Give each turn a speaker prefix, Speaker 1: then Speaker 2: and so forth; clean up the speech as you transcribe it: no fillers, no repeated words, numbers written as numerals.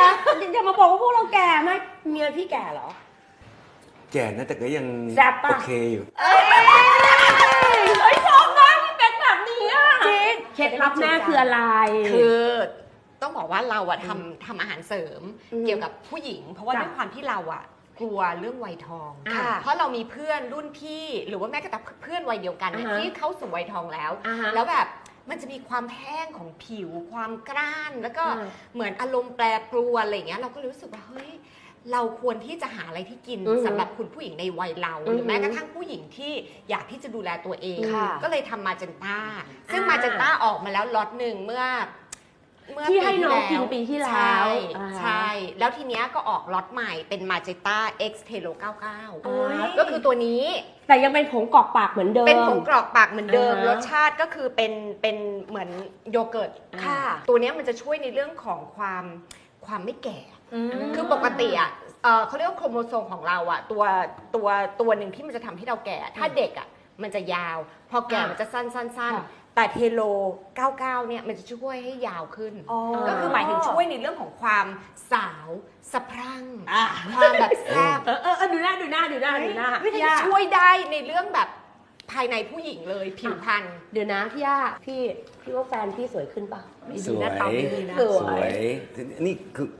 Speaker 1: อย่ามาบอกว่าพวกเราแก่ไหมเมียพี่แก่เหรอ
Speaker 2: แก่นะแต่ก็ยังโอเคอยู่
Speaker 1: ชอบมากที่เป็นแบบนี้อ่ะจริงเคล็ดลับแม่คืออะไร
Speaker 3: คือต้องบอกว่าเราอะทำอาหารเสริมเกี่ยวกับผู้หญิงเพราะว่าด้วยความที่เราอะกลัวเรื่องวัยทองเพราะเรามีเพื่อนรุ่นพี่หรือว่าแม้กระทั่งเพื่อนวัยเดียวกันที่เข้าสู่วัยทองแล้วแบบมันจะมีความแห้งของผิวความกร้านแล้วก็เหมือนอารมณ์แปรปรวนอะไรอย่างเงี้ยเราก็รู้สึกว่าเฮ้ยเราควรที่จะหาอะไรที่กินสำหรับคุณผู้หญิงในวัยเราหรือแม้กระทั่งผู้หญิงที่อยากที่จะดูแลตัวเองก็เลยทำมาเจนต้าซึ่งมาเจนต้าออกมาแล้วล็อตหนึ่งเมื่อ
Speaker 1: ที่ให้น้องกินปีที่แล้ว
Speaker 3: ใช่แล้วทีเนี้ยก็ออกล็อตใหม่เป็นมาเจต้า X Telo 99ก็คือตัวนี้
Speaker 1: แต่ยังเป็นผงกรอกปากเหมือนเดิม
Speaker 3: เป็นผงกรอกปากเหมือนเดิมรสชาติก็คือเป็นเหมือนโยเกิร์ตค่ะตัวนี้มันจะช่วยในเรื่องของความไม่แก่คือปกติอ่ะเขาเรียกว่าโครโมโซมของเราอ่ะตัวหนึ่งที่มันจะทำให้เราแก่ถ้าเด็กอ่ะมันจะยาวพอแก่มันจะสั้นแต่เทโล 99 เนี่ยมันจะช่วยให้ยาวขึ้นก็คือหมายถึงช่วยในเรื่องของความสาวสะพรั่งความแบบแซ่บ
Speaker 1: ดูหน้า
Speaker 3: ช่วยได้ในเรื่องแบบภายในผู้หญิงเลยผิวพรรณ
Speaker 1: เดี๋ยวนะพี่ย่าพี่ว่าแฟนพี่สวยขึ้นป่ะ
Speaker 2: สวยนี่คือ